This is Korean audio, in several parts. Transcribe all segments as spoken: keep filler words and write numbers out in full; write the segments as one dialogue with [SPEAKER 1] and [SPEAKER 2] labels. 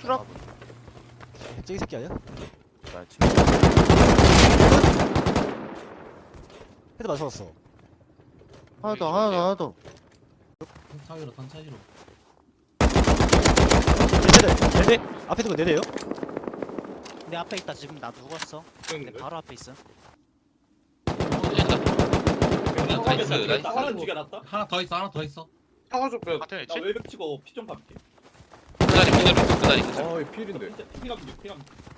[SPEAKER 1] 추락.
[SPEAKER 2] 쟤이 새끼 아니야?
[SPEAKER 1] 나 지금
[SPEAKER 2] 헤드 맞았어.
[SPEAKER 3] 하나 더 하나 더 하나 더.
[SPEAKER 4] 사이로 단차이로.
[SPEAKER 2] 네 대. 앞에 두고 네 대요?
[SPEAKER 5] 내 앞에 있다. 지금 나 누웠어. 내 바로 앞에 있어.
[SPEAKER 6] 다
[SPEAKER 7] 다
[SPEAKER 6] 있어요. 나 있어.
[SPEAKER 7] 하나 죽여놨다.
[SPEAKER 4] 하나 더 있어, 하나 더 있어.
[SPEAKER 7] 사과줘 빼.
[SPEAKER 6] 같은
[SPEAKER 7] 나
[SPEAKER 6] 위치?
[SPEAKER 7] 외벽 치고 피 좀 갚게.
[SPEAKER 6] 그다리 그대로 있어. 그다리 그대로.
[SPEAKER 7] 어이 필인데. 피감 피감.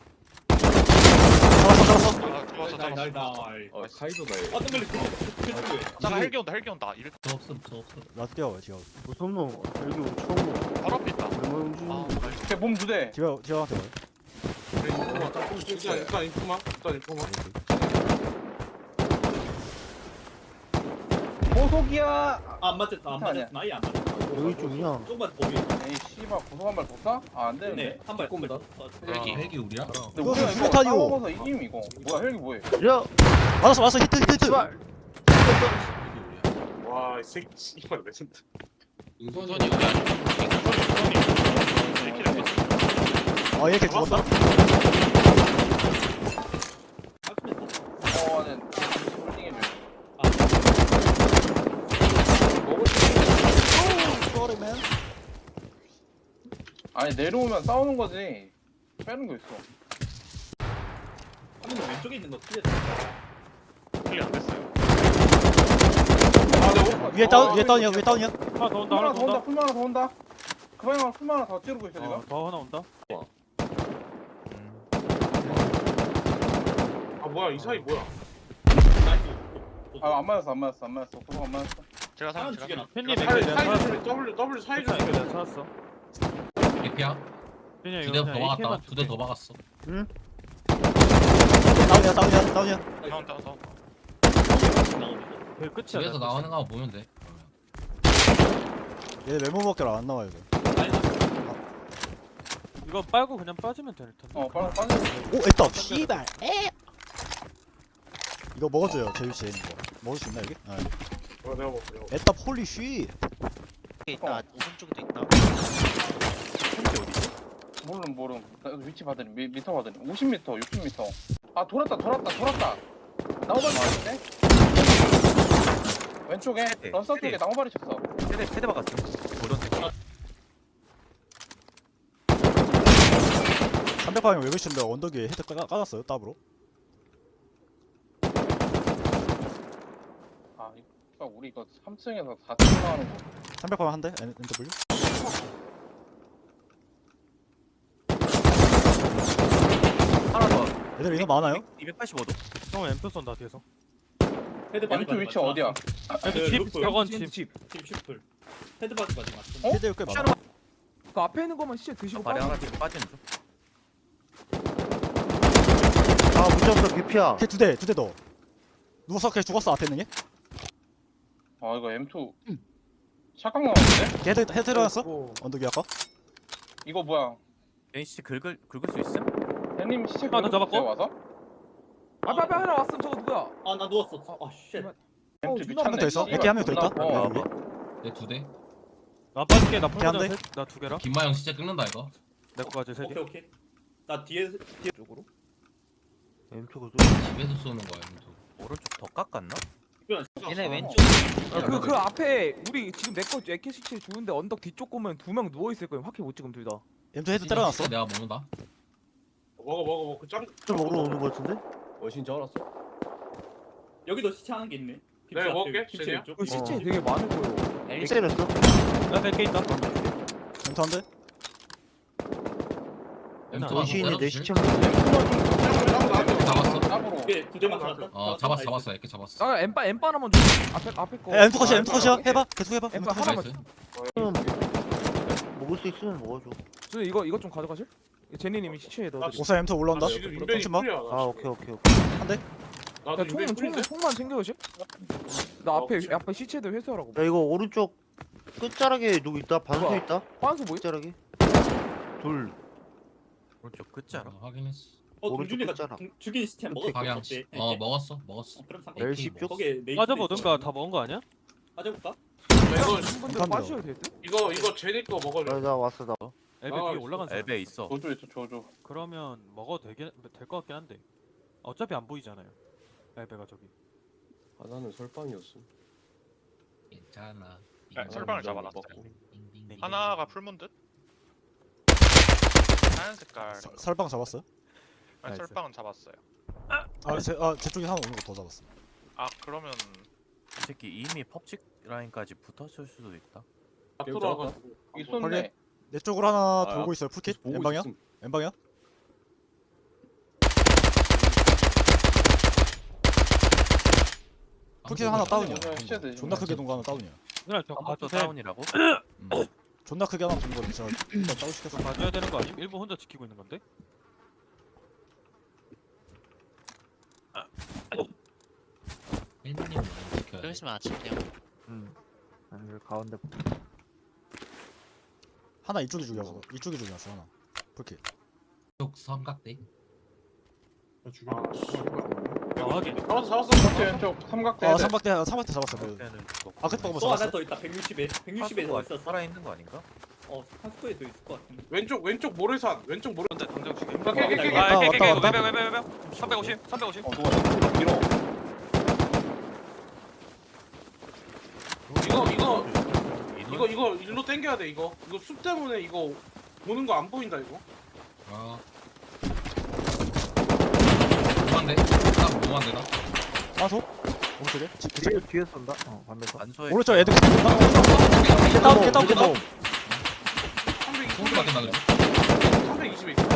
[SPEAKER 2] 잡았어 잡았어.
[SPEAKER 6] 아, 좋았어,
[SPEAKER 7] 날
[SPEAKER 6] 잡았어.
[SPEAKER 7] 날 날.
[SPEAKER 1] 어 카이도다 얘.
[SPEAKER 7] 어떤 걸리 그쪽에.
[SPEAKER 6] 나 헬기 온다. 헬기 온다. 이럴
[SPEAKER 4] 저 없음, 저 없음.
[SPEAKER 2] 나도 뛰어와 지금.
[SPEAKER 3] 무슨 놈? 여기 처음 놈.
[SPEAKER 6] 바로 앞에 있다.
[SPEAKER 3] 얼마 움직이는
[SPEAKER 6] 아,
[SPEAKER 3] 거?
[SPEAKER 6] 나이스.
[SPEAKER 1] 몸 두 대.
[SPEAKER 2] 지금 지금한테 봐.
[SPEAKER 7] 일단 일단 인포만. 일단 인포만.
[SPEAKER 1] 고속이야.
[SPEAKER 7] 안 맞았어. 안
[SPEAKER 1] 아니야.
[SPEAKER 7] 맞았어. 나이 안 맞았어.
[SPEAKER 3] 여기 쪽이야.
[SPEAKER 7] 조금만 더 위.
[SPEAKER 1] 에이 씨발 고속 한발 더 쏴? 아안 되는데.
[SPEAKER 7] 네. 한발 꼽니다.
[SPEAKER 6] 헬기.
[SPEAKER 4] 헬기 우리야?
[SPEAKER 1] 근데
[SPEAKER 2] 이거
[SPEAKER 1] 우리가 이거
[SPEAKER 2] 수류탄이오.
[SPEAKER 1] 싸워서 이김 이거. 뭐야 헬기 뭐해?
[SPEAKER 3] 야,
[SPEAKER 2] 맞았어 맞았어 히트 히트 히트.
[SPEAKER 3] 씨발.
[SPEAKER 4] 헬기 우리야.
[SPEAKER 7] 와, 이 새끼 씨발 왜 진짜.
[SPEAKER 6] 우선이 우리 아니야. 우선이 우선이.
[SPEAKER 2] 아 이렇게 죽었다?
[SPEAKER 1] 어, 네. 홀딩해 줘.
[SPEAKER 7] 아.
[SPEAKER 1] 먹을 수
[SPEAKER 2] 쏘리맨.
[SPEAKER 1] 아니 내려오면 싸우는 거지. 빼는 거 있어.
[SPEAKER 7] 한명 왼쪽에 있는 거 틀렸어.
[SPEAKER 6] 헬기 안 됐어요.
[SPEAKER 1] 아, 네,
[SPEAKER 2] 위에 다운 위에 다운이야 위에 다운이야.
[SPEAKER 8] 하나 더 온다
[SPEAKER 1] 하나
[SPEAKER 8] 하나
[SPEAKER 1] 더
[SPEAKER 8] 더
[SPEAKER 1] 온다.
[SPEAKER 8] 온다
[SPEAKER 1] 풀만 하나 더 온다. 그 방향으로 풀만 하나 더 찌르고 있어 지금.
[SPEAKER 8] 어, 더 하나 온다
[SPEAKER 7] 아 뭐야 이 사이 뭐야?
[SPEAKER 1] 아 안 맞았어 안 맞았어 안 맞았어. 고속 안 맞았어.
[SPEAKER 6] 제가
[SPEAKER 7] 하나
[SPEAKER 6] 사람 제가
[SPEAKER 7] 죽여놨.
[SPEAKER 8] 팬님
[SPEAKER 6] 제가
[SPEAKER 8] 앵글 내가 찾았어
[SPEAKER 7] 사이 W W 사이
[SPEAKER 8] 앵글 내가 찾았어
[SPEAKER 4] 에피야?
[SPEAKER 8] 그냥
[SPEAKER 4] 두
[SPEAKER 8] 이거
[SPEAKER 4] 대 더
[SPEAKER 8] 그냥
[SPEAKER 4] 박았다.
[SPEAKER 8] 에이케이만
[SPEAKER 4] 두 대 더 박았어.
[SPEAKER 2] 다운이야 다운이야 다운이야.
[SPEAKER 6] 다운 다운 다운.
[SPEAKER 8] 그 끝이야
[SPEAKER 4] 집에서
[SPEAKER 8] 나
[SPEAKER 4] 나오는 거 보면 돼.
[SPEAKER 2] 얘 메모밖에 안 나와 이거.
[SPEAKER 8] 이거 빨고 그냥 빠지면 될 텐데
[SPEAKER 1] 어 빨리 빠져.
[SPEAKER 2] 오 에따 씨발. 에. 이거 먹어줘요 제일 씨 있는 거. 먹을 수 있나 여기? 아.
[SPEAKER 7] 어 내가 먹어.
[SPEAKER 2] 에따 폴리 쉬.
[SPEAKER 5] 있다. 오른쪽에도 있다.
[SPEAKER 1] 모름 모름. 나 위치 받으니 미, 미터 받으니 오십 미터 육십 미터. 아 돌았다 돌았다 돌았다. 나무발이 쳤네. 왼쪽에 런서 쪽에 나무발이 쳤어.
[SPEAKER 3] 세대 세대 박았어.
[SPEAKER 2] 삼백 방향 외부 신데 언덕 위에 헤드 까, 까놨어요 따브로.
[SPEAKER 1] 아 이거 우리 이거 삼 층에서 사 층 나가는 거.
[SPEAKER 2] 삼백 방향 한 대. 엔 더블유.
[SPEAKER 3] 하나 더.
[SPEAKER 2] 애들 인원 많아요?
[SPEAKER 3] 이백팔십오 도.
[SPEAKER 8] 형 앰프 쏜다 뒤에서
[SPEAKER 7] 헤드 바디
[SPEAKER 1] 왼쪽 위치 어디야?
[SPEAKER 8] 앰프 집 저건 집
[SPEAKER 7] 집 슈플. 헤드 바디 바디 맞죠?
[SPEAKER 1] 어?
[SPEAKER 2] 헤드 꽤 많아.
[SPEAKER 9] 그 앞에 있는 것만 시체 드시고
[SPEAKER 3] 말이
[SPEAKER 9] 빠져.
[SPEAKER 3] 하나 뒤로 빠지는 중. 아, 무적도 개피야.
[SPEAKER 2] 걔 두 대, 두 대 더. 누워서 걔 죽었어 앞에 있는 얘?
[SPEAKER 1] 아 이거 엠 투 샷각 나왔는데?
[SPEAKER 2] 걔 헤드 헤드 들어갔어?
[SPEAKER 9] 오.
[SPEAKER 2] 언덕 위 아까?
[SPEAKER 1] 이거 뭐야?
[SPEAKER 3] 에이씨 긁을 긁을 수 있음?
[SPEAKER 1] 님 시체
[SPEAKER 8] 하나 더
[SPEAKER 1] 긁었어요,
[SPEAKER 8] 잡았고?
[SPEAKER 1] 와서?
[SPEAKER 9] 앞에 앞에 하나 왔음. 저거 누구야?
[SPEAKER 7] 아 나 누웠어. 아 쉣.
[SPEAKER 1] 엠 투
[SPEAKER 9] 어,
[SPEAKER 1] 미쳤네.
[SPEAKER 2] 한 명 더 있어?
[SPEAKER 1] 씨발.
[SPEAKER 2] 이렇게 한 명 더 있다?
[SPEAKER 1] 어,
[SPEAKER 2] 여기.
[SPEAKER 4] 내 두 대.
[SPEAKER 8] 나 빠질게 나
[SPEAKER 2] 걔 한
[SPEAKER 8] 풀보자
[SPEAKER 2] 대?
[SPEAKER 8] 나두 개라
[SPEAKER 4] 김마영 진짜 끊는다 이거.
[SPEAKER 8] 내 거까지 세개
[SPEAKER 7] 오케이 오케이. 나 뒤에 뒤에 쪽으로.
[SPEAKER 3] 왼쪽으로
[SPEAKER 4] 집에서 쏘는 거야. 또.
[SPEAKER 3] 오른쪽 더 깎았나?
[SPEAKER 5] 얘네 왼쪽.
[SPEAKER 9] 그 그 앞에 우리 지금 내거 에케 시체 주는데 언덕 뒤쪽 보면 두 명 누워 있을 거예요. 확히 못 찍음 둘 다.
[SPEAKER 2] 엠투 헤드 때려놨어?
[SPEAKER 4] 내가 먹는다.
[SPEAKER 7] 먹어 먹어 먹어. 짱.
[SPEAKER 3] 좀 먹으러 오는 거 같은데?
[SPEAKER 1] 어신 줄 알았어.
[SPEAKER 7] 여기도 시체 하는 게 있네. 네, 먹을게, 김치 세리야. 왼쪽.
[SPEAKER 9] 그 시체
[SPEAKER 3] 어.
[SPEAKER 9] 되게 많을 거예요.
[SPEAKER 3] 때렸어?
[SPEAKER 8] 나 백 개 있다
[SPEAKER 2] 엠투 한 대?
[SPEAKER 3] 원시인이 내 시체
[SPEAKER 4] 잡았어.
[SPEAKER 1] 땀으로.
[SPEAKER 7] 오케이 두 대만 잡았다.
[SPEAKER 4] 어 잡았어 잡았어. 이렇게 잡았어.
[SPEAKER 9] 아 엠빠 엠빠 하나만 줘. 앞에 앞에 거.
[SPEAKER 2] 야 엠투 컷이야
[SPEAKER 9] 아,
[SPEAKER 2] 엠투 컷이야 해봐 계속 해봐
[SPEAKER 9] 엠파
[SPEAKER 2] 엠투
[SPEAKER 9] 하나만
[SPEAKER 4] 나이스.
[SPEAKER 3] 먹을 수 있으면 먹어줘.
[SPEAKER 9] 저 이거 이거 좀 가져가실? 제니님이 시체에 넣어.
[SPEAKER 2] 오사 엠투 올라온다?
[SPEAKER 7] 지금 인벤이
[SPEAKER 2] 좀 봐.
[SPEAKER 7] 풀이야.
[SPEAKER 3] 아 오케이 오케이 오케이.
[SPEAKER 7] 나도
[SPEAKER 9] 야 총은
[SPEAKER 7] 인벤이
[SPEAKER 9] 총은
[SPEAKER 7] 풀인데.
[SPEAKER 9] 총만 챙겨오실? 나 앞에 앞에 시체들 회수하라고.
[SPEAKER 3] 야 이거 오른쪽 끝자락에 누구 있다? 반수
[SPEAKER 9] 뭐야?
[SPEAKER 3] 있다?
[SPEAKER 9] 환수 뭐야?
[SPEAKER 3] 끝자락에. 둘. 오른쪽
[SPEAKER 4] 어, 확인했어.
[SPEAKER 7] 어
[SPEAKER 3] 오른쪽
[SPEAKER 7] 동준이가
[SPEAKER 3] 끝자락.
[SPEAKER 7] 중- 죽인 시체 먹었어.
[SPEAKER 4] 방향.
[SPEAKER 7] 어때?
[SPEAKER 4] 어 먹었어 먹었어.
[SPEAKER 7] 어, 그럼 상관.
[SPEAKER 3] 멜십 쪽?
[SPEAKER 7] 거기에 메이트
[SPEAKER 8] 빠져보든가
[SPEAKER 7] 있어.
[SPEAKER 8] 다 먹은 거 아니야?
[SPEAKER 7] 빠져볼까?
[SPEAKER 9] 이거 분들
[SPEAKER 2] 감사합니다.
[SPEAKER 9] 빠셔야 될 듯?
[SPEAKER 7] 이거 이거 제니 거 먹어줘.
[SPEAKER 3] 아, 나 왔어 나.
[SPEAKER 8] 엘베
[SPEAKER 1] 아,
[SPEAKER 8] 위에 올라간 사람
[SPEAKER 3] 엘베 있어.
[SPEAKER 1] 조조 있어 조조.
[SPEAKER 8] 그러면 먹어도 되긴 될 것 같긴 한데 어차피 안 보이잖아요 엘베가 저기.
[SPEAKER 10] 하나는 설방이었어.
[SPEAKER 4] 괜찮아.
[SPEAKER 6] 야, 설방을 잡아놨어.
[SPEAKER 4] 빙빙빙.
[SPEAKER 6] 하나가 풀문 듯? 하얀 색깔.
[SPEAKER 2] 사- 살방 잡았어요?
[SPEAKER 6] 아니,
[SPEAKER 8] 나이스.
[SPEAKER 6] 설방은 잡았어요.
[SPEAKER 2] 아제 아, 제 쪽에 하나 오는 거 더 잡았어.
[SPEAKER 6] 아 그러면
[SPEAKER 3] 이 새끼 이미 펍직 라인까지 붙었을 수도 있다.
[SPEAKER 10] 들어가.
[SPEAKER 1] 있었네.
[SPEAKER 2] 내 쪽으로 하나
[SPEAKER 10] 아,
[SPEAKER 2] 돌고 있어요. 풀킷.
[SPEAKER 10] 보고
[SPEAKER 2] 엠방이야?
[SPEAKER 10] 있음.
[SPEAKER 2] 엠방이야? 풀킷 하나 다운이야.
[SPEAKER 1] 오늘 시야돼,
[SPEAKER 2] 존나 크게
[SPEAKER 1] 지금.
[SPEAKER 2] 동거 하나 다운이야.
[SPEAKER 8] 그냥 저
[SPEAKER 3] 컴퓨터
[SPEAKER 8] 가주세요.
[SPEAKER 3] 다운이라고?
[SPEAKER 2] 음. 존나 크게 하나 동거 진짜 일단 다운 시켰어.
[SPEAKER 8] 가줘야 되는 거 아님? 일본 혼자 지키고 있는 건데?
[SPEAKER 4] 헬멧님 먼저 지켜야 돼.
[SPEAKER 5] 그러시면 아침이요.
[SPEAKER 3] 응. 아니 가운데.
[SPEAKER 2] 하나 이쪽이 죽였어. 이쪽이 죽였어 하나. 풀킷.
[SPEAKER 4] 쪽 삼각대.
[SPEAKER 8] 어, 확인.
[SPEAKER 10] 잡았어 잡았어.
[SPEAKER 1] 왼쪽 왼쪽 삼각대.
[SPEAKER 2] 아 삼박대 삼박대 잡았어. 그.
[SPEAKER 3] 그때는 뭐
[SPEAKER 2] 아, 그때
[SPEAKER 7] 또
[SPEAKER 2] 먹었어.
[SPEAKER 7] 하나 더 있다. 백육십에. 백육십에 더 있었어.
[SPEAKER 3] 살아 있는 거 아닌가?
[SPEAKER 7] 어, 한스코에 더 있을 것 같은데.
[SPEAKER 10] 왼쪽 왼쪽 모래산 왼쪽 모래.
[SPEAKER 9] 근데 당장 죽여.
[SPEAKER 10] 오케이, 오케이, 오케이.
[SPEAKER 9] 아,
[SPEAKER 2] 왔다,
[SPEAKER 9] 오케이, 오케이,
[SPEAKER 2] 왔다,
[SPEAKER 9] 오케이.
[SPEAKER 2] 왔다.
[SPEAKER 9] 외벽, 외벽, 외벽. 삼백오십, 삼백오십.
[SPEAKER 1] 어 누가 밀어.
[SPEAKER 10] 이거 이거
[SPEAKER 3] 인원?
[SPEAKER 10] 이거 이거 일로 당겨야 돼 이거. 이거 숲 때문에 이거 보는 거 안 보인다 이거.
[SPEAKER 4] 아. 뭐한데? 나 뭐한데 나?
[SPEAKER 2] 아소? 오른쪽에? 집 그쪽?
[SPEAKER 3] 뒤에 쏜다. 어, 반대서. 안소에
[SPEAKER 2] 오른쪽 애들 다운 다운 다운 다운.
[SPEAKER 4] 소리 밖에 나네.
[SPEAKER 10] 삼백이십에 있어.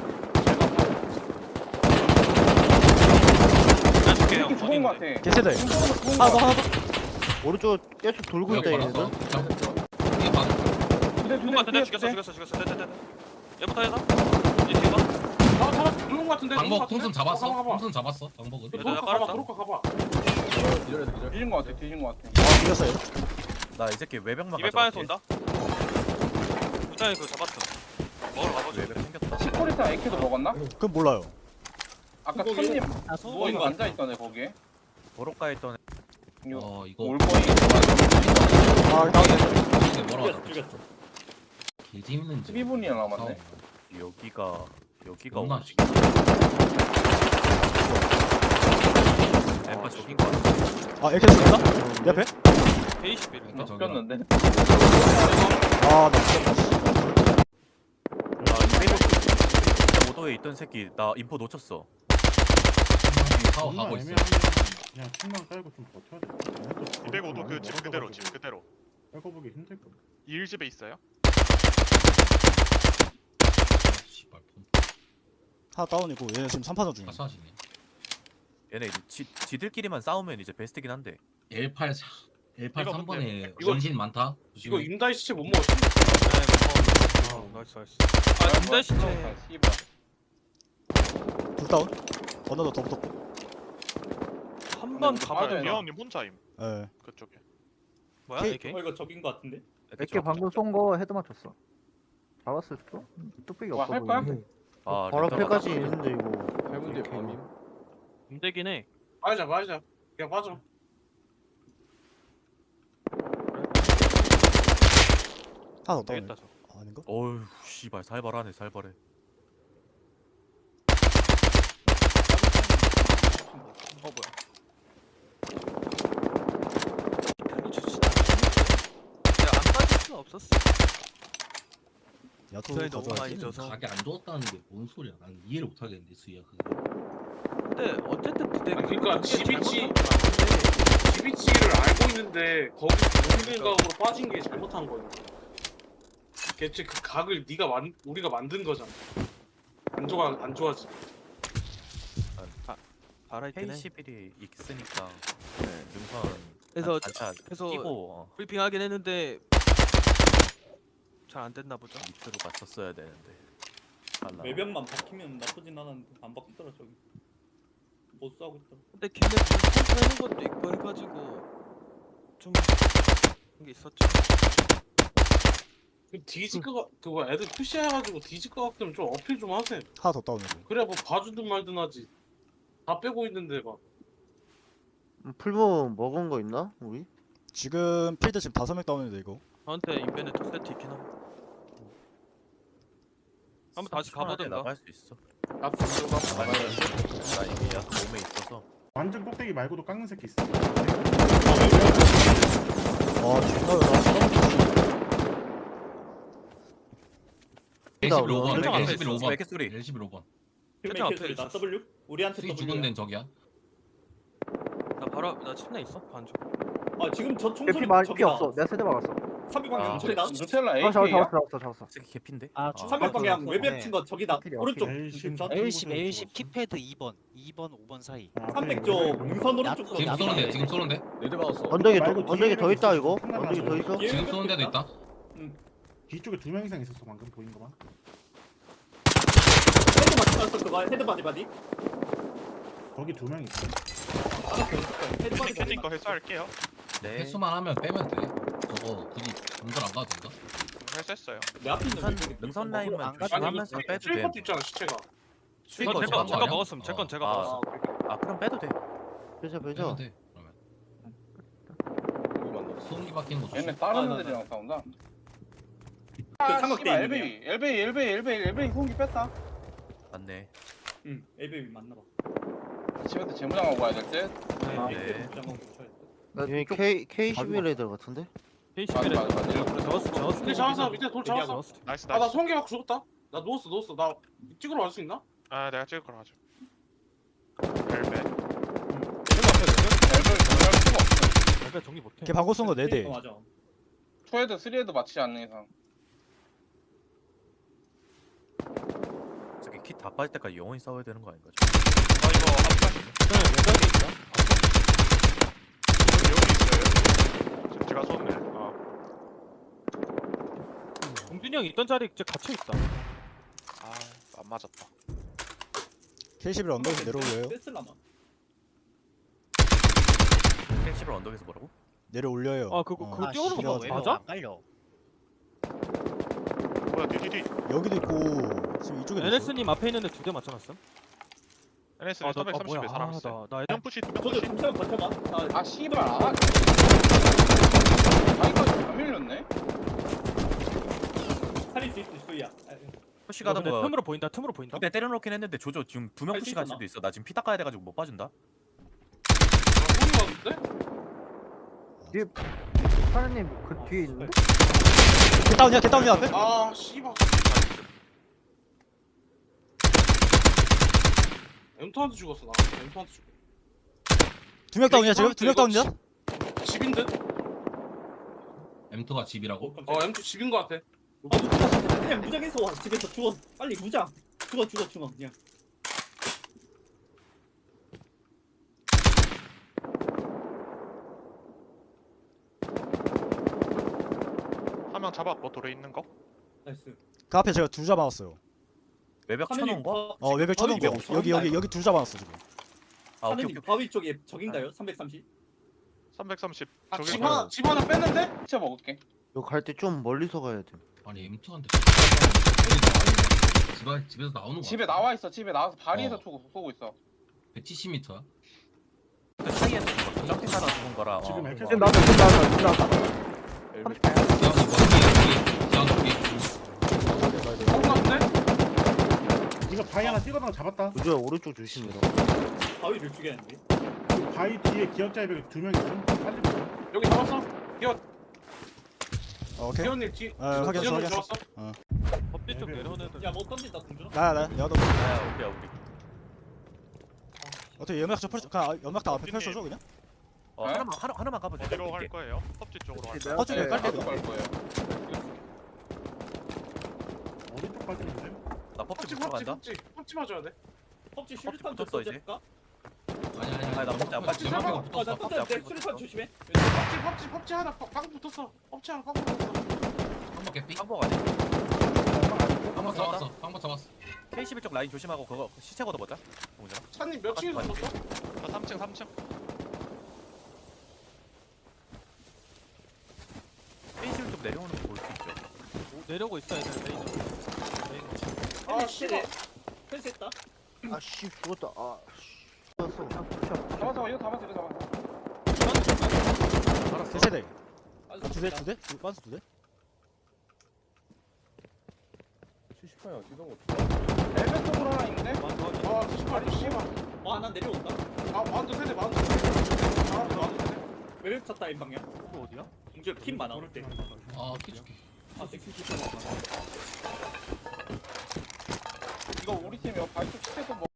[SPEAKER 9] 난 죽게요.
[SPEAKER 1] 이렇게 죽은 거 같아.
[SPEAKER 2] 개세대.
[SPEAKER 1] 죽은
[SPEAKER 2] 하나
[SPEAKER 1] 거
[SPEAKER 2] 더 하나 더.
[SPEAKER 3] 오른쪽 계속 돌고 있다 얘네들.
[SPEAKER 4] 이게 봐.
[SPEAKER 1] 두대
[SPEAKER 9] 죽은 거 같은데?
[SPEAKER 1] 두대
[SPEAKER 9] 죽였어, 죽였어, 죽였어. 됐다, 됐다. 얘부터 해서. 이 뒤가.
[SPEAKER 10] 아 잡았어. 누른 거 같은데. 누른 거
[SPEAKER 4] 방법
[SPEAKER 10] 같은데?
[SPEAKER 4] 통순 잡았어.
[SPEAKER 10] 가봐, 가봐.
[SPEAKER 4] 통순 잡았어. 방법은.
[SPEAKER 10] 도로카 가봐.
[SPEAKER 9] 깔았다.
[SPEAKER 10] 도로카 가봐.
[SPEAKER 1] 뒤진 거 같아. 뒤진 거 같아.
[SPEAKER 2] 아 죽였어 얘.
[SPEAKER 3] 나 이 새끼 외벽만
[SPEAKER 9] 이백
[SPEAKER 3] 가져갈게.
[SPEAKER 9] 반에서 온다. 부장이 그거 잡았어. 먹으러 가보자.
[SPEAKER 3] 외벽 생겼다.
[SPEAKER 1] 시코리타 에이케도 먹었나?
[SPEAKER 2] 그럼 몰라요.
[SPEAKER 1] 아까
[SPEAKER 7] 거기-
[SPEAKER 1] 천님
[SPEAKER 5] 아 소.
[SPEAKER 1] 누워 있는 앉아 있던 애 거기에.
[SPEAKER 3] 도로가에 있던 애.
[SPEAKER 1] 이거
[SPEAKER 4] 어 이거.
[SPEAKER 1] 올 거이.
[SPEAKER 2] 아 다운.
[SPEAKER 4] 이게 뭐라
[SPEAKER 7] 죽였어,
[SPEAKER 4] 하자.
[SPEAKER 7] 죽였어.
[SPEAKER 4] 개 재밌는.
[SPEAKER 1] 십이 분이나 남았네.
[SPEAKER 3] 여기가 여기가
[SPEAKER 4] 너무나
[SPEAKER 3] 오십. 엠파 저긴 거 같아.
[SPEAKER 2] 아 에케 죽였다? 내 앞에?
[SPEAKER 9] 베이십일.
[SPEAKER 4] 그러니까 저기.
[SPEAKER 1] 죽였는데.
[SPEAKER 2] 아나 죽였다.
[SPEAKER 3] 나 이백오 오도에 있던 새끼 나 인포 놓쳤어.
[SPEAKER 4] 사업 하고 있어.
[SPEAKER 11] 그냥 침만 깔고 좀 버텨야 돼.
[SPEAKER 6] 이백오 도 그 집 그대로 집 그대로.
[SPEAKER 11] 깔고 보기 힘들 거.
[SPEAKER 6] 일 집에 있어요?
[SPEAKER 4] 씨발 폰.
[SPEAKER 2] 하나 다운이고 얘네 지금 삼 판전 중이야.
[SPEAKER 4] 아사시네.
[SPEAKER 3] 얘네 이제 지, 지들끼리만 싸우면 이제 베스트긴 한데.
[SPEAKER 4] 엘 팔 엘 팔
[SPEAKER 6] 이거
[SPEAKER 4] 삼 번에
[SPEAKER 6] 근데-
[SPEAKER 10] 이거-
[SPEAKER 4] 원신 많다.
[SPEAKER 10] 이거 임다이 시체 못 먹었어.
[SPEAKER 9] 네, 먹어.
[SPEAKER 8] 나이스 나이스.
[SPEAKER 9] 아, 근데 진짜.
[SPEAKER 1] 아, 씨발.
[SPEAKER 2] 둘 다운. 언더도 더 붙었고.
[SPEAKER 9] 한번
[SPEAKER 1] 근데
[SPEAKER 9] 가봐야
[SPEAKER 1] 맞아요.
[SPEAKER 9] 돼.
[SPEAKER 6] 미아님 혼자임
[SPEAKER 2] 예.
[SPEAKER 6] 그쪽에.
[SPEAKER 9] 뭐야?
[SPEAKER 2] K-
[SPEAKER 9] 에이케이?
[SPEAKER 7] 어, 이거 적인 것 같은데?
[SPEAKER 3] 이렇게 방금
[SPEAKER 11] 쏜 거 헤드 맞췄어. 잡았을 또? 뚝배기
[SPEAKER 1] 뭐 할 거야?
[SPEAKER 3] 아 바로 앞에까지
[SPEAKER 11] 있는데 이거.
[SPEAKER 10] 해븐대 밤임.
[SPEAKER 8] 힘들긴 해.
[SPEAKER 10] 빠지자 빠지자. 그냥 빠져.
[SPEAKER 2] 하나 더 다운.
[SPEAKER 9] 되겠다, 저.
[SPEAKER 2] 아닌가?
[SPEAKER 3] 어휴 씨발 살벌하네 살벌해.
[SPEAKER 9] 어 뭐야? 별로 좋지. 내가 안 빠질 수는 없었어.
[SPEAKER 2] 야토
[SPEAKER 9] 저희 너무
[SPEAKER 2] 가져와야지.
[SPEAKER 9] 많이 져서.
[SPEAKER 4] 가게 안 좋았다는 게 뭔 소리야? 난 이해를 못 하겠는데 수희야 그거.
[SPEAKER 9] 근데 어쨌든 그때
[SPEAKER 10] 아니, 그러니까
[SPEAKER 9] 그게
[SPEAKER 10] 지비치-
[SPEAKER 9] 잘못한 건 맞는데
[SPEAKER 10] 지비치를 알고 있는데 거기 모든 각으로 빠진 게 잘못한 거야. 대체 그 각을 네가 만 우리가 만든 거잖아. 안 좋아 안 좋아지.
[SPEAKER 9] 알아 있긴 해.
[SPEAKER 3] 케이십일이 있으니까 네, 능선
[SPEAKER 9] 그래서
[SPEAKER 3] 단차
[SPEAKER 9] 그래서
[SPEAKER 3] 끼고 어,
[SPEAKER 9] 브리핑 하긴 했는데 잘 안 됐나 보죠.
[SPEAKER 3] 밑으로 갔었어야 되는데. 달라.
[SPEAKER 7] 외벽만 박히면 나쁘진 않았는데 안 박히더라 저기. 못 싸우고 있더라.
[SPEAKER 9] 근데 걔네 컴퓨터 하는 것도 있고 해가지고 좀 그런 게 있었죠.
[SPEAKER 10] 그 뒤질 거 그거 애들 푸시해가지고 뒤질 거 같으면 좀 어필 좀 하세요.
[SPEAKER 2] 하나 더 다운이고.
[SPEAKER 10] 그래야 뭐 봐주든 말든 하지. 다 빼고 있는데 막.
[SPEAKER 3] 풀보 먹은 거 있나 우리?
[SPEAKER 2] 지금 필드 지금 다섯 명 다운인데 이거.
[SPEAKER 9] 저한테 인벤에 두 세트 있긴 함.
[SPEAKER 8] 한번 다시 가보든가.
[SPEAKER 3] 나갈 수 있어.
[SPEAKER 1] 앞으로 가.
[SPEAKER 3] 나갈 수 있어. 나 이미 약간 몸에 있어서.
[SPEAKER 12] 완전 꼭대기 말고도 깎는 새끼 있어.
[SPEAKER 2] 아 존나
[SPEAKER 11] 엘십일 오 번,
[SPEAKER 3] 왼쪽 앞에
[SPEAKER 11] 엘십일 오
[SPEAKER 3] 있어.
[SPEAKER 11] 번,
[SPEAKER 3] 이렇게 소리.
[SPEAKER 11] 엘십일 오 번.
[SPEAKER 8] 왼쪽 앞에
[SPEAKER 7] 킬메이커들 나
[SPEAKER 8] 있었어.
[SPEAKER 7] W 우리한테
[SPEAKER 11] 수기
[SPEAKER 7] W
[SPEAKER 11] 죽은 데는 저기야.
[SPEAKER 8] 나 바로 나 침대 있어. 반쪽.
[SPEAKER 7] 아 지금 저
[SPEAKER 11] 피
[SPEAKER 7] 총소리
[SPEAKER 11] 말, 피
[SPEAKER 7] 저기다
[SPEAKER 11] 없어. 내가 세대 막았어.
[SPEAKER 7] 삼백
[SPEAKER 3] 아,
[SPEAKER 7] 방향 저기다
[SPEAKER 1] 누텔라
[SPEAKER 11] 아, 잡았어,
[SPEAKER 1] 에이케이야?
[SPEAKER 11] 잡았어, 잡았어, 잡았어.
[SPEAKER 3] 새끼 개핀데.
[SPEAKER 5] 아,
[SPEAKER 3] 아,
[SPEAKER 7] 삼백 방향
[SPEAKER 5] 네.
[SPEAKER 7] 외벽 친거 저기다
[SPEAKER 11] 필요
[SPEAKER 7] 오른쪽
[SPEAKER 12] 에이씨.
[SPEAKER 7] 전
[SPEAKER 5] 엘십 엘십 키패드 이 번 이 번 오 번 사이.
[SPEAKER 7] 삼백 쪽 능선 오른쪽
[SPEAKER 5] 야,
[SPEAKER 11] 지금
[SPEAKER 5] 야,
[SPEAKER 11] 쏘는데,
[SPEAKER 5] 야,
[SPEAKER 11] 지금 쏘는데.
[SPEAKER 3] 네드 박았어.
[SPEAKER 11] 언덕에,
[SPEAKER 12] 말고
[SPEAKER 11] 더, 언덕에
[SPEAKER 12] 뒤에
[SPEAKER 11] 더 있다, 이거.
[SPEAKER 12] 하나
[SPEAKER 11] 언덕에 더 있어.
[SPEAKER 7] 예.
[SPEAKER 11] 지금 쏘는 데도 있다.
[SPEAKER 12] 뒤쪽에 두 명 이상 있었어 방금 보인 거만.
[SPEAKER 7] 헤드 맞지 않았어 그거 헤드 바디 바디
[SPEAKER 12] 거기 두 명 있어.
[SPEAKER 7] 헤드 바디
[SPEAKER 6] 캐진
[SPEAKER 7] 바디
[SPEAKER 6] 거 회수할게요.
[SPEAKER 3] 네.
[SPEAKER 11] 횟수만 하면 빼면 돼. 저거 굳이 공들 안 가도 된다.
[SPEAKER 6] 회수했어요.
[SPEAKER 7] 내 앞에 있는
[SPEAKER 3] 능선
[SPEAKER 7] 외벽에
[SPEAKER 3] 능선
[SPEAKER 5] 안
[SPEAKER 3] 라인만
[SPEAKER 5] 가도
[SPEAKER 3] 조심하면서 빼도 돼.
[SPEAKER 10] 칠컷 있잖아 시체가.
[SPEAKER 3] 수익
[SPEAKER 8] 이건
[SPEAKER 3] 거
[SPEAKER 8] 제가
[SPEAKER 3] 좋아하는
[SPEAKER 8] 제가
[SPEAKER 3] 거 아니야?
[SPEAKER 8] 먹었음. 제 건 제가
[SPEAKER 3] 아.
[SPEAKER 8] 먹었어.
[SPEAKER 3] 아 그럼 빼도 돼.
[SPEAKER 11] 빼자,
[SPEAKER 3] 네,
[SPEAKER 11] 빼자.
[SPEAKER 3] 뭐.
[SPEAKER 11] 빼면 돼. 그러면. 소음기 바뀌는 거
[SPEAKER 1] 얘네
[SPEAKER 11] 조심.
[SPEAKER 1] 다른
[SPEAKER 7] 아, 나,
[SPEAKER 1] 애들이랑 싸운다.
[SPEAKER 7] 그
[SPEAKER 1] 아,
[SPEAKER 7] 삼각대
[SPEAKER 1] 씨발,
[SPEAKER 7] 있는
[SPEAKER 1] 엘베이, 엘베이, 엘베이, 엘베이, 엘베이 소음기 뺐다.
[SPEAKER 3] 맞네.
[SPEAKER 7] 응 엘베이 맞나봐
[SPEAKER 1] 집한테 재무장하고 가야 될 듯.
[SPEAKER 7] 아
[SPEAKER 3] 네.
[SPEAKER 7] 엘베이 장관 쳐야 돼
[SPEAKER 11] 나 K, K 십일 애들 같은데?
[SPEAKER 1] 맞아, 맞아, 맞아.
[SPEAKER 8] 잡았어. 잡았어.
[SPEAKER 10] 밑에 잡았어 밑에 돌 잡았어.
[SPEAKER 8] 잡았어.
[SPEAKER 6] 나이스
[SPEAKER 10] 아 나
[SPEAKER 6] 나이스.
[SPEAKER 10] 소음기 맞고 죽었다. 나 누웠어 누웠어. 나 찍으러 갈 수 있나?
[SPEAKER 6] 아 내가 찍을 거라 하죠. 엘베.
[SPEAKER 1] 엘베이 정리할 수가 없어.
[SPEAKER 8] 내가 정리 못해.
[SPEAKER 2] 걔 방고 쏜거 네 대.
[SPEAKER 7] 어, 맞아
[SPEAKER 1] 투헤드, 쓰리헤드 맞지 않는 이상.
[SPEAKER 3] 저기 킷 다 빠질 때까지 영원히 싸워야 되는 거 아닌가?
[SPEAKER 6] 아 이거 앞에 여기 있어요. 제가 쏜네. 아
[SPEAKER 8] 공준이 형 있던 자리 이제 갇혀 있다.
[SPEAKER 6] 아, 안 맞았다.
[SPEAKER 2] 케이 십일 언덕에서 내려올려요.
[SPEAKER 7] 뺐을라나
[SPEAKER 3] 펜시를 언덕에서 뭐라고?
[SPEAKER 2] 내려올려요.
[SPEAKER 8] 아 그거
[SPEAKER 2] 어.
[SPEAKER 8] 그거
[SPEAKER 5] 아,
[SPEAKER 8] 뛰어오는
[SPEAKER 5] 씨발,
[SPEAKER 8] 거
[SPEAKER 5] 외벽
[SPEAKER 8] 맞아?
[SPEAKER 5] 안 깔려.
[SPEAKER 6] 뭐야 뒤뒤뒤.
[SPEAKER 2] 여기도 있고 지금 이쪽에도 있어.
[SPEAKER 8] 에네스님 앞에 있는데 두 대 맞춰놨어?
[SPEAKER 6] 에네스
[SPEAKER 8] 아, 나, 아
[SPEAKER 6] 삼백삼십에
[SPEAKER 8] 뭐야?
[SPEAKER 6] 사람
[SPEAKER 8] 아,
[SPEAKER 6] 있어요.
[SPEAKER 8] 나, 나
[SPEAKER 6] 점프시
[SPEAKER 7] 저도
[SPEAKER 6] 점프시.
[SPEAKER 7] 잠시만 버텨봐 아
[SPEAKER 1] 아, 씨발. 아. 아이까지 다 밀렸네.
[SPEAKER 7] 살릴 수 있어 수야
[SPEAKER 3] 푸시
[SPEAKER 8] 이거
[SPEAKER 3] 가던
[SPEAKER 8] 근데
[SPEAKER 3] 거
[SPEAKER 8] 틈으로 보인다. 틈으로 보인다.
[SPEAKER 3] 두대 때려놓긴 했는데 조조 지금 두 명
[SPEAKER 7] 할수
[SPEAKER 3] 푸시 갈
[SPEAKER 7] 있었나?
[SPEAKER 3] 수도 있어. 나 지금 피 닦아야 돼가지고 못 빠진다.
[SPEAKER 10] 소음기 왔는데?
[SPEAKER 11] 사장님, 그 뒤에 있는데?
[SPEAKER 2] 걔 다운이야, 걔 다운이야 앞에.
[SPEAKER 10] 아 씨발. 엠투한테 죽었어 나. 엠투한테 죽어.
[SPEAKER 2] 두 명 다운이야 지금. 두 명 다운이야.
[SPEAKER 10] 집인 듯?
[SPEAKER 11] 엠투가 집이라고?
[SPEAKER 10] 어 엠투 집인 거 같아.
[SPEAKER 7] 아 무장 그냥 무장해서 와 집에서 죽어 빨리 무장 죽어 죽어 죽어 그냥
[SPEAKER 6] 한 명 잡았고 돌에 있는 거.
[SPEAKER 7] 나이스
[SPEAKER 2] 그 앞에 제가 둘 잡아놨어요.
[SPEAKER 3] 외벽 쳐놓은 거?
[SPEAKER 2] 어 외벽 쳐놓은 거. 여기 여기 여기 둘 잡아놨어 지금.
[SPEAKER 3] 아 오케이
[SPEAKER 7] 하느님
[SPEAKER 3] 오케이.
[SPEAKER 7] 바위 쪽에 적인가요? 삼백삼십
[SPEAKER 6] 삼백삼십.
[SPEAKER 10] 아,
[SPEAKER 6] 저기
[SPEAKER 10] 집 하나 집 하나 뺐는데?
[SPEAKER 1] 시체 먹을게.
[SPEAKER 11] 이거 갈 때 좀 멀리서 가야 돼.
[SPEAKER 12] 아니 엠투한테
[SPEAKER 11] 집, 집에서 나오는 거
[SPEAKER 1] 집에 나와 있어. 집에 나와서 바리에서
[SPEAKER 11] 어.
[SPEAKER 1] 쏘고, 쏘고 있어.
[SPEAKER 11] 백칠십 미터야?
[SPEAKER 3] 그 사이에 죽은 거. 점핑 하다 죽은 거라.
[SPEAKER 12] 지금
[SPEAKER 3] 어.
[SPEAKER 12] 엘케
[SPEAKER 11] 지금 나왔다, 지금 나왔다, 지금 나왔다.
[SPEAKER 3] 엘베.
[SPEAKER 11] 지금 뒤에, 뒤에,
[SPEAKER 10] 소음 같은데?
[SPEAKER 12] 이거 바위 하나 찍어놓은 거 잡았다.
[SPEAKER 11] 우주야, 오른쪽 조심해라.
[SPEAKER 7] 바위를 죽여야는데
[SPEAKER 12] 그 바위 뒤에 기억자 외벽에 두 명 있음. 살리고 있어.
[SPEAKER 10] 여기 잡았어. 기어
[SPEAKER 2] 어, 오케이.
[SPEAKER 10] 기어님 뒤.
[SPEAKER 2] 아, 확인했어,
[SPEAKER 10] 기어님
[SPEAKER 2] 확인했어.
[SPEAKER 10] 잡았어.
[SPEAKER 8] 법대 쪽 내려오는 애들.
[SPEAKER 7] 야뭐 던진다 동준아
[SPEAKER 2] 나야 나야. 내가 너
[SPEAKER 3] 야 우리야 우리.
[SPEAKER 2] 어떻게 연막 저 펼쳐. 그냥 연막 다 앞에 펼쳐줘 그냥.
[SPEAKER 3] 어
[SPEAKER 1] 네?
[SPEAKER 3] 하나만 하나 하나만 가보자.
[SPEAKER 6] 어디로 갈 거예요? 섭지 쪽으로 갈 거예요.
[SPEAKER 2] 어, 저기
[SPEAKER 1] 네,
[SPEAKER 2] 깔게,
[SPEAKER 1] 가서 갈 거예요.
[SPEAKER 12] 오른쪽 발길인데.
[SPEAKER 3] 나 법지
[SPEAKER 10] 펍지
[SPEAKER 3] 붙어
[SPEAKER 10] 펍지
[SPEAKER 3] 간다.
[SPEAKER 10] 펍지 펍지 맞아야 돼.
[SPEAKER 7] 펍지
[SPEAKER 3] 펍지
[SPEAKER 7] 슈리탄 좀
[SPEAKER 3] 붙었어, 이제.
[SPEAKER 7] 던질까?
[SPEAKER 11] 아니, 아니,
[SPEAKER 3] 아니, 나 먹자.
[SPEAKER 11] 펍지
[SPEAKER 10] 펍지
[SPEAKER 11] 연막이가
[SPEAKER 10] 잡아.
[SPEAKER 11] 붙었어.
[SPEAKER 7] 아나
[SPEAKER 3] 펍지
[SPEAKER 7] 던져
[SPEAKER 3] 앞에
[SPEAKER 7] 내 슈리탄
[SPEAKER 3] 붙었어.
[SPEAKER 7] 조심해
[SPEAKER 10] 펍지 펍지 펍지 하나 팍- 팍 붙었어. 펍지 하나 팍 붙었어.
[SPEAKER 11] 한번 개삐?
[SPEAKER 3] 한복 아니야?
[SPEAKER 11] 한번 잡았어. 한번 잡았어.
[SPEAKER 3] 케이 십일 쪽 라인 조심하고 그거 시체 걷어보자. 동훈아.
[SPEAKER 10] 차님 몇 층에서
[SPEAKER 3] 맞지,
[SPEAKER 10] 죽었어?
[SPEAKER 6] 저 삼 층 삼 층.
[SPEAKER 3] 케이 십일 쪽 내려오는 거 볼 수 있죠.
[SPEAKER 8] 오, 내려오고 있어 애들 레이저. 레이저.
[SPEAKER 10] 아 씨발.
[SPEAKER 7] 펜스했다
[SPEAKER 11] 아, 씨, 죽었다. 아, 씨. 죽었어.
[SPEAKER 1] 잡았어, 이거 잡았어, 이거 잡았어.
[SPEAKER 2] 세 세대.
[SPEAKER 7] 아,
[SPEAKER 2] 두 대, 두 대? 두, 반스 두 대?
[SPEAKER 6] 스카야 뛰던 거.
[SPEAKER 1] 엘베 쪽으로 하나 있는데?
[SPEAKER 10] 와 씨발 씨발.
[SPEAKER 7] 와나 내려온다.
[SPEAKER 10] 아 만두 세대 만두 세대. 아 만두 세대.
[SPEAKER 7] 외벽 쳤다 이 방향.
[SPEAKER 8] 이거 어디야?
[SPEAKER 7] 이제 킴 많아. 어때?
[SPEAKER 4] 아 깨줄게.
[SPEAKER 7] 아 섹시
[SPEAKER 1] 이거 우리 팀이요. 바이크 시대도 뭐